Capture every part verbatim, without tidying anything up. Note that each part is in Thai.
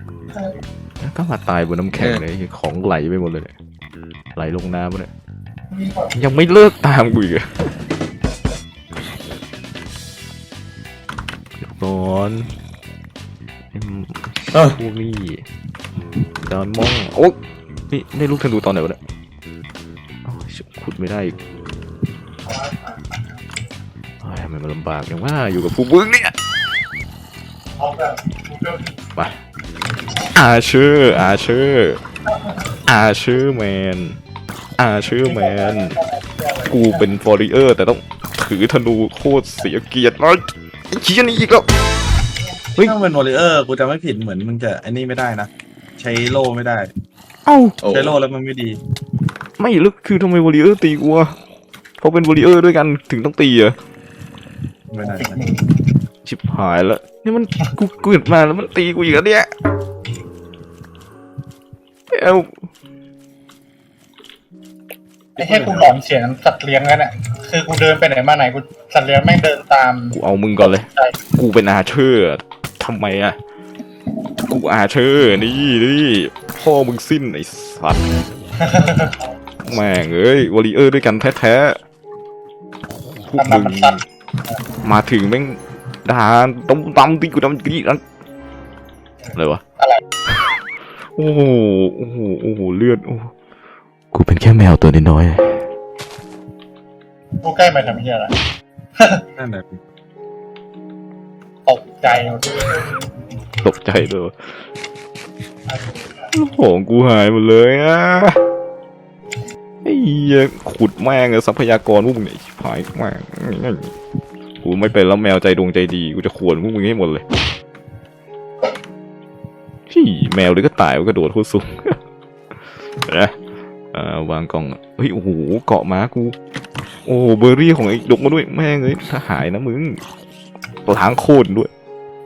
ก็มาตายบนน้ำแข็งเลยของไหลไปหมดเลยเนี่ยไหลลงน้ำเลยยังไม่เลิกตามกูอีกอะก่อนพวกนี้ดอนมองโอ๊ยนี่ได้ลูกธนูตอนไหนวะเนี่ยขุดไม่ได้อีกทำไมมันลำบากอย่างว่าอยู่กับผู้บึ้งเนี่ยไปอาเชอร์อาเชอร์อาเชอร์แมนอาเชอร์แมนกูเป็นฟอร์เรอร์แต่ต้องถือธนูโคตรเสียเกียรติเลยไอ้เชี่ยนี่อีกแล้วเฮ้ยถ้าเป็นวอลเลเยอร์กูจะไม่ผิดเหมือนมึงจะไอ้นี่ไม่ได้นะใช้โล่ไม่ได้เอ้าใช้โล่แล้วมันไม่ดีไม่ลึกคือทำไมวอลเลเยอร์ตีกูอะเพราะเป็นวอลเลเยอร์ด้วยกันถึงต้องตีอะไม่ได้ชิบหายแล้วนี่มันกูเกิดมาแล้วมันตีกูอีกแล้วเนี่ยเอ้าไอ้แค่กูหลอนเสียงสัตว์เลี้ยงกันอ่ะคือกูเดินไปไหนมาไหนกูสัตว์เลี้ยงแม่งเดินตามกูเอามึงก่อนเลยกูเป็นอาเชอร์ทำไมอะกูอาเชอร์นี่นี่พ่อมึงสิ้นไอ้สัตว์แม่งเอ้ยวอลเลเยอร์ด้วยกันแท้ๆพวกมึงมาถึงแม่งด่าต้มตำตีกูทำกี่นั่นอะไรวะอะไรโอ้โหโอ้โหโอ้โหเลือดโอ้กูเป็นแค่แมวตัวน้อยๆกูใกล้มาทำเหี้ยอะไรนั่นแหละตกใจตกใจด้วยของกูหายหมดเลยอ่ะไอ้เหี้ยขุดแม่งทรัพยากรพวกมึงเนี่ยหายแม่งกูไม่เป็นแล้วแมวใจดวงใจดีกูจะขวนพวกมึงให้หมดเลยพี่แมวเลยก็ตายก็โดดโคตรสูงนะวางกล่องเฮ้ยโอ้โหเกาะม้ากูโอ้เบอร์รี่ของไอ้ดกมาด้วยแม่งเลยถ้าหายนะมึงล้างโคตรด้วย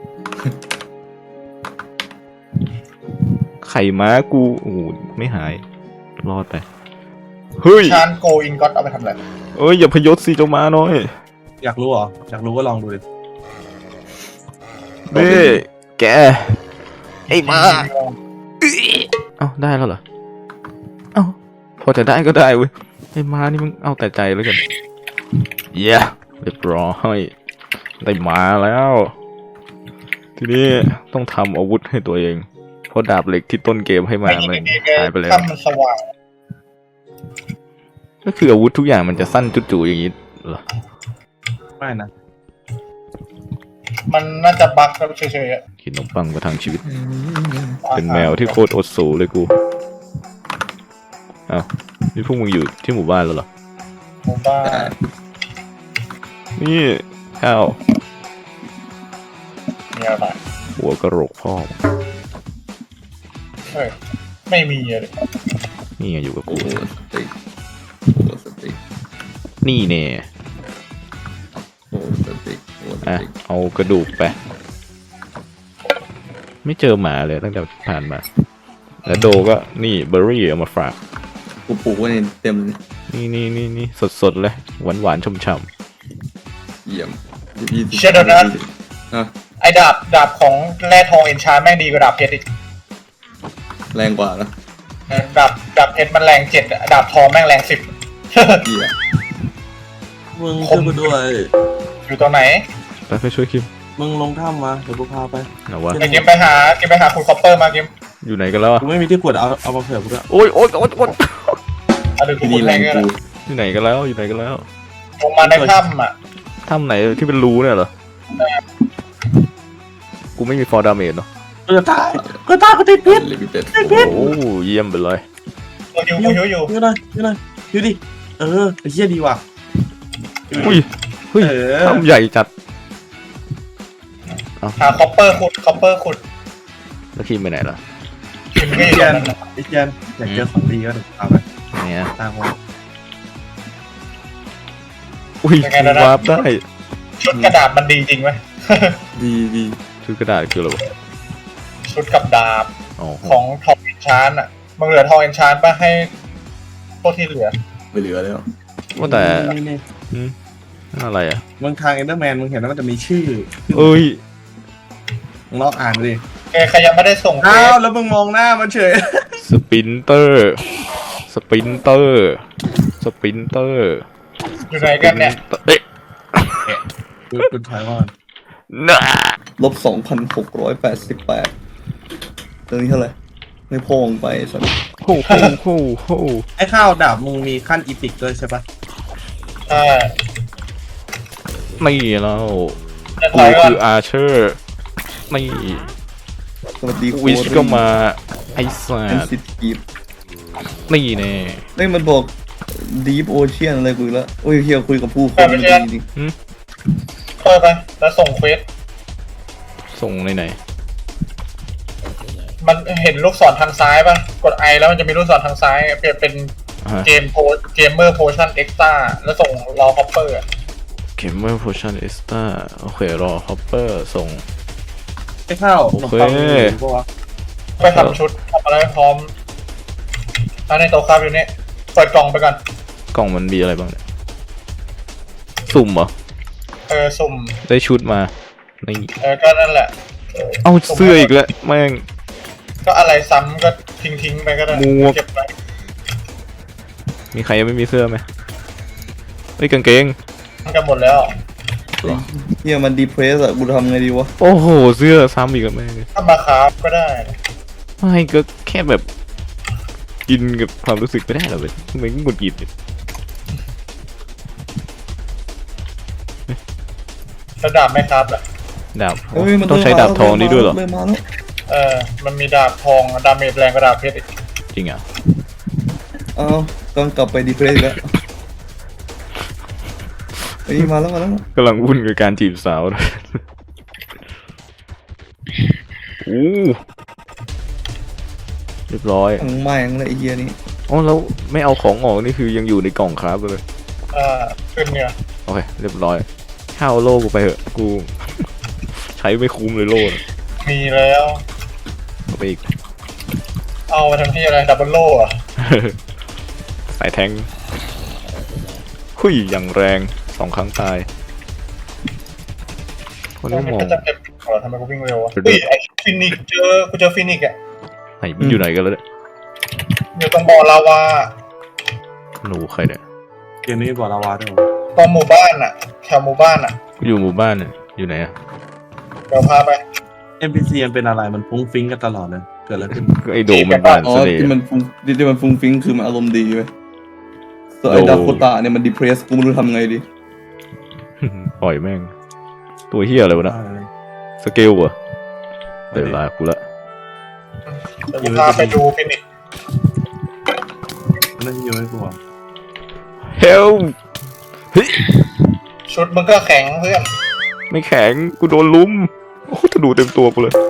ไข่ม้ากูโอ้ไม่หายรอดไปเฮ้ยชานโกอินก็เอาไปทำอะไรเอ้ยอย่าพยศสิเจ้าม้าน้อยอยากรู้เหรออยากรู้ก็ลองดูดิเบ้แกไอ้ม้าเอ้าได้แล้วเหรอเอ้าพอจะได้ก็ได้เว้ยไอ้ม้านี่มึงเอาแต่ใจแล้วกันเย้เรียบร้อยได้มาแล้วทีนี้ต้องทำอาวุธให้ตัวเองเพราะดาบเหล็กที่ต้นเกมให้มามันหายไปแล้วก็คืออาวุธทุกอย่างมันจะสั้นจุ๋ๆอย่างนี้เหรอไม่นะมันน่าจะบั๊กก็เฉยๆอ่ะกินขนมปังมาทางชีวิตเป็นแมวที่โคตรอดสูเลยกูอ้าวนี่พวกมึงอยู่ที่หมู่บ้านแล้วเหรอหมู่บ้านนี่ข้าวมีอะไรหัวกระโหลกพ่อเฮ้ยไม่มีเลยนี่ไงอยู่กับกูนี่เนี่ยอ่ะเอากระดูกไปไม่เจอหมาเลยตั้งแต่ผ่านมาแล้วโดก็นี่เบอร์รี่เอามาฝากกูปลูกไว้เต็มเลยนี่นี่นี่นี่สดสดเลยหวานหวานช่ำๆเยี่ยมเชดนะไอ้ดาบดาบของแร่ทองเอ็นชาร์แม่งดีกว่าดาบเพชรอีกแรงกว่านะดาบดาบเพชรมันแรงเจ็ดดาบทองแม่งแรงสิบเยี่ยมึงช่วยกูด้วยอยู่ตรงไหนไปไปช่วยคิมมึงลงถ้ำมาเดี๋ยวกูพาไปไหนวะเกมไปหาเกมไปหาคุณคอปเปอร์มาเกมอยู่ไหนกันแล้วกูไม่มีที่กดเอาเอามาเผื่อกูด้วยโอ้ยโอ้ยโอ้ยโอ้ยนี่แรงกูอยู่ไหนกันแล้วอยู่ไหนกันแล้วลงมาในถ้ำอ่ะถ้ำไหนที่เป็นรูเนี่ยเหรอกูไม่มีฟอร์ดาเมจเนาะกูจะตายกูตายกูติดพิษโอ้เยี่ยมไปเลยอยู่อยู่อยู่อยู่อยู่หน่อยอยู่หน่อยอยู่ดิเออไอ้เหี้ยดีว่ะอุ้ยเฮ้ยทำใหญ่จัดหาคอปเปอร์ขุดคอปเปอร์ขุดแล้วคิมไปไหนล่ะไอ้เจนไอ้เจนอยากเจอของดีก็ถึงเอาไปเนี่ยตามว่าอุ้ยวาร์ปได้ชุดกระดาษมันดีจริงไหมดีดีชุดกระดาษคืออะไรวะชุดกับดาบของทองเอนชานอ่ะมึงเหลือทองเอนชานป่ะให้พวกที่เหลือไม่เหลือแล้วว่าแต่อะไรอ่ะมึงทางเอ็นเดอร์แมนมึงเห็นแล้วมันจะมีชื่อเอ้ยมึงลองอ่านดิเอใครยังไม่ได้ส่งเฟอ้าวซแล้วมึงมองหน้ามันเฉยสปินเตอร์สปินเตอร์สปินเตอร์อยู่ไหนกันเนี่ยเอ๊ะกูกูถอยก่อนน่ะลบสองพันหกร้อยแปดสิบแปดตรงนี้เท่าไหร่ไม่พองไปสักโอ้โหโอ้โหไอ้ข้าวดาบมึงมีขั้นอีพิกด้วยใช่ปะใช่ไม่แล้วจะถกูอยก่อนคืออาร์เชอร์ไม่สวัสดีวิชก็มาไอ้สัแอนตซิว์ทีฟนี่แน่เฮ้ยมันบอก Deep Ocean อะไรกูอีกแล้วโอ้ยเฮียคุยกับผู้คนมันดีจริงเปิดไปแล้วส่งเฟซส่งในไหนมันเห็นลูกศรทางซ้ายป่ะกดไอแล้วมันจะมีลูกศรทางซ้ายเปลี่ยนเป็นอ่าฮะเกมโพเกมเมอร์โพชั่นเอ็กซ์ต้าแล้วส่งรอฮอปเปอร์เกมเมอร์โพชั่นเอสตาโอเครอฮอปเปอร์ส่งไอ้ข้าวโอเคขนมปังมึงมีปะวะไปทำชุดทำอะไรพร้อมอันในโต๊ะครับอยู่นี่เปิดกล่องไปก่อนกล่องมันมีอะไรบ้างเนี่ยสุ่มเหรอเออสุ่มได้ชุดมานี่เออก็นั่นแหละเอาเสื้ออีกแล้วแม่งก็อะไรซ้ำก็ทิ้งทิ้งๆไปก็ได้หมวกเก็บไปมีใครยังไม่มีเสื้อไหมเฮ้ยกางเกงมันกันหมดแล้วเฮียมันดีเพรสอะกูทำไงดีวะโอ้โหเสื้อซ้ำอีกแล้วแม่งถ้ามาคราฟก็ได้ไม่ก็แค่แบบกินกับความรู้สึกไม่ได้หรอเว้ยทำไมหงุดหงิดเนี่ยระดับไม่ครับอ่ะดาบเฮ้ยมันต้องใช้ดาบทองนี่ด้วยเหรอเริ่มมาแล้วเออมันมีดาบทองดาเมจแรงกว่าดาบเพชรอีกจริงอ่ะอ้าวต้องกลับไปดีเพรสอีกแล้วเฮ้ยมาแล้วมาแล้วกำลังวุ่นกับการจีบสาวเลยโอ้เรียบร้อยทั้งไม้ทั้งอะไรไอ้เฮียนี่อ๋อแล้วไม่เอาของออกนี่คือยังอยู่ในกล่องครับเลยอ่าขึ้นเนี่ยโอเคเรียบร้อยข้าวโล่กูไปเถอะกู ใช้ไม่คุ้มเลยโล่น่ะมีแล้วเอาไปอีกเอามาทำที่อะไรดับเบิลโล่อะสายแทงหุยอย่างแรงสองครั้งตายคนมัไม่นมองก็จะเป็นขอทำไมกูวิ่งเร็ววะเดี๋ยวเฮ้ยไอ้ฟินิกซ์เจอกูเจอฟินิกซ์อ่ะไหนมันอยู่ไหนกันแล้วเนี่ยอยู่ตรงบ่อลาวาหนูใครเนี่ยเกมนี้มีบ่อลาวาด้วยเหรอตรงหมู่บ้านอ่ะแถวหมู่บ้านอ่ะกูอยู่หมู่บ้านเนี่ยอยู่ไหนอะเดี๋ยวพาไปเอ็น พี ซี มันเป็นอะไรมันฟุ้งฟิ้งกันตลอดเลยเกิดอะไรขึ้นก็ไอโดมมันบ้านอ๋อเสน่ห์ที่มันฟุ้งที่มันฟุ้งฟิ้งคือมันอารมณ์ดีไปส่วนไอ้โอ้ดาโคตาเนี่ยมันดีเพรสกูไม่รู้ทำไงดีปล่อยแม่ง ตัวเฮียอะไรวะนะสเกลเหรอะเดี๋ยวลากูละเดี๋ยวกูพาไปดูฟินิกซ์นั่นเยอะให้กูอ่ะเฮลเฮ้ยชุดมึงก็แข็งเพื่อนไม่แข็งกูโดนลุมโอ้ธนูเต็มตัวกูเลย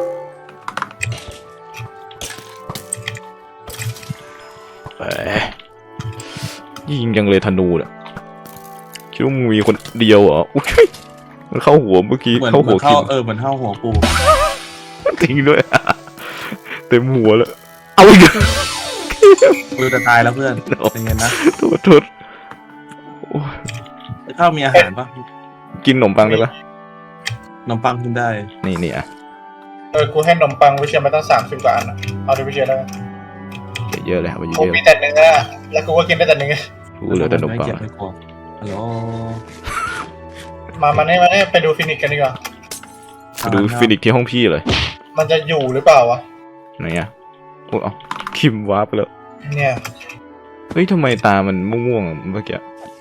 แหมยิงยังเลยธนูเนี่ยคิดว่ามึงมีคนเดียวเหรออุ้ยมันเข้าหัวเมื่อกี้เหมือนเข้าเหมืหัอวน คิเข้าม เออเหมือนเข้าหัวกูจริงด้วย เต็มหัวเลยเอาอีกกูจะตายแล้วเพื่อนใจเย็นนะโทษโทษโอ้ยไอ้ข้าวมีอาหารปะกินขนมปังได้ปะขนมปังกินได้นี่นี่อ่ะเออกูให้ขนมปังวิเชียรมาตั้งสามสิบกว่าอันอ่ะเอาดิวิเชียรแล้วกันเยอะๆเลยครับเยกูอะมีแต่เนื้อแล้วกูก็กินได้แต่เนื้อๆกูเหลือแต่ขนมปังไเกียจไม่กลัวฮัลโหลมามาเนี่ยมาเนี่ยไปดูฟินิกซ์กันดีกว่าไปดูฟินิกซ์ที่ห้องพี่เลยมันจะอยู่หรือเปล่าวะไหนอ่ะโอ้เอาคิมวาร์ปไปแล้วเนี่ยเฮ้ยทำไมตามันม่วงๆอะเมื่อกี้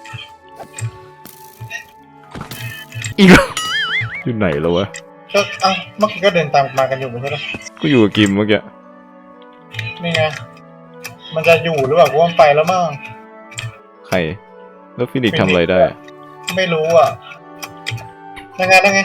อีกแล้วอยู่ไหนแล้ววะก็เอ้าเมื่อกี้ก็เดินตามมากันอยู่ไม่ใช่เหรอกูอยู่กับกิมเมื่อกี้นี่ไงมันจะอยู่หรือเปล่ากูว่ามันไปแล้วมั้งใครแล้วฟินิกซ์ทำอะไรได้อะไม่รู้อ่ะยังไงยังไง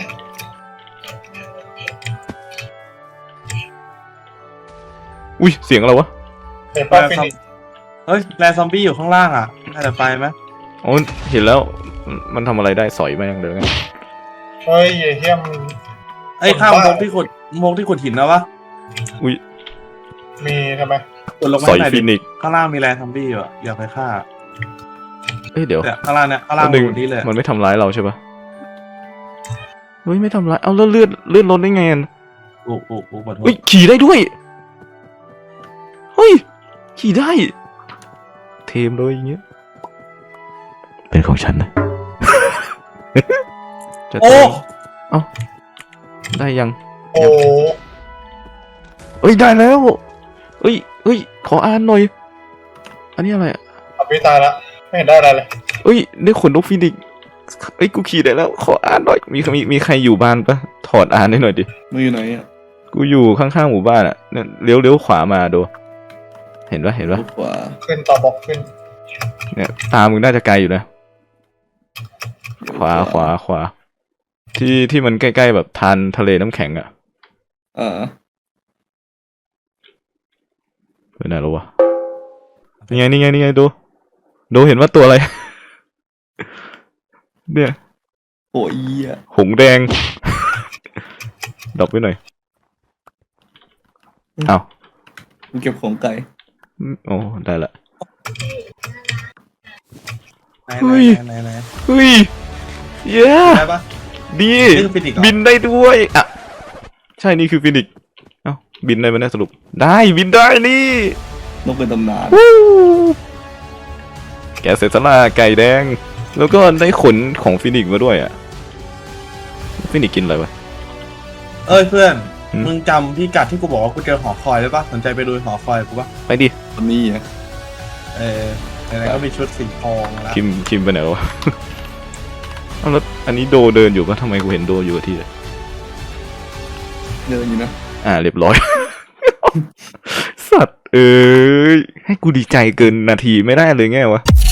อุ้ยเสียงอะไรวะเห็นป่ะฟินิกซ์เฮ้ยแรซอมบี้อยู่ข้างล่างอ่ะน่าจะไปไหมอ๋อเห็นแล้วมันทำอะไรได้สอยแม่งเลยไงเฮ้ยไอ้เฮียมนไอ้ข้าวมงที่ขุดมงที่ขุดหินแล้ววะอุ้ยมีทำไมกดลงมาสอยหน่อยฟิดินิกซ์ข้างล่างมีแรซอมบี้อยู่อะอยากไปฆ่าเอ้ยเดี๋ยวเนี่ยข้างล่างเนี่ยข้างล่างหนึ่งหมดนี้เลยมันไม่ทำร้ายเราใช่ปะเฮ้ยไม่ทำร้ายเอาแล้วเลือดเลือดลดได้ไงอะกูกูกูขอโทษเฮ้ยขี่ได้ด้วยเฮ้ยขี่ได้เทมเลยอย่างเงี้ยเป็นของฉันนะ จะโอ้เอ้าได้ยังโอ้เอ้ยได้แล้วเอ้ยเอ้ยขออ่านหน่อยอันนี้อะไรอ่ะอภิตายละไม่เห็นได้อะไรเลยเอ้ยได้ขนนกฟีนิกซ์เอ้ยกูขี่ได้แล้วขออ่านหน่อยมีมีมีใครอยู่บ้านปะถอดอ่านให้หน่อยดิมึงอยู่ไหนอ่ะกูอยู่ข้างๆหมู่บ้านอ่ะเนี่ยเลี้ยวเลี้ยวขวามาดูเห็นปะเห็นปะลูกขวาขึ้นต่อบอกขึ้นเนี่ยตามึงน่าจะไกลอยู่นะขวาขวาขวาที่ที่มันใกล้ๆแบบทานทะเลน้ำแข็งอ่ะอ่าไปไหนแล้ววะนี่ไงนี่ไงนี่ไงดูดูเห็นว่าตัวอะไร เนี่ยโอ้ยอ่ะหงแดง ดรอปไว้หน่อยอ้าวมึงเก็บของไก่โอ้ได้ละไหนเฮ้ยไหนไหนไหนเฮ้ยเย้ได้ปะดีนี่คือฟินิกส์เหรอบินได้ด้วยอ่ะใช่นี่คือฟินิกซ์เอ้าบินได้ไหมเนี่ยสรุปได้บินได้นี่นกเป็นตำนานวู้แกเสร็จสละไก่แดง แล้วก็ได้ขนของฟินิกซ์มาด้วยอ่ะฟินิกซ์กินอะไรวะเอ้ยเพื่อนอืมมึงจำพี่กัดที่กูบอกว่ากูเจอหอคอยได้ปะสนใจไปดูหอคอยกูปะไปดิตอนนี้อ่ะเออไหนๆก็มีชุดสีทองแล้วคิมคิมไปไหนวะ เอาแล้วอันนี้โดเดินอยู่ปะทำไมกูเห็นโดอยู่กับที่เลยเดินอยู่นะอ่าเรียบร้อย สัตว์เอ้ยให้กูดีใจเกินนาทีไม่ได้เลยไงวะ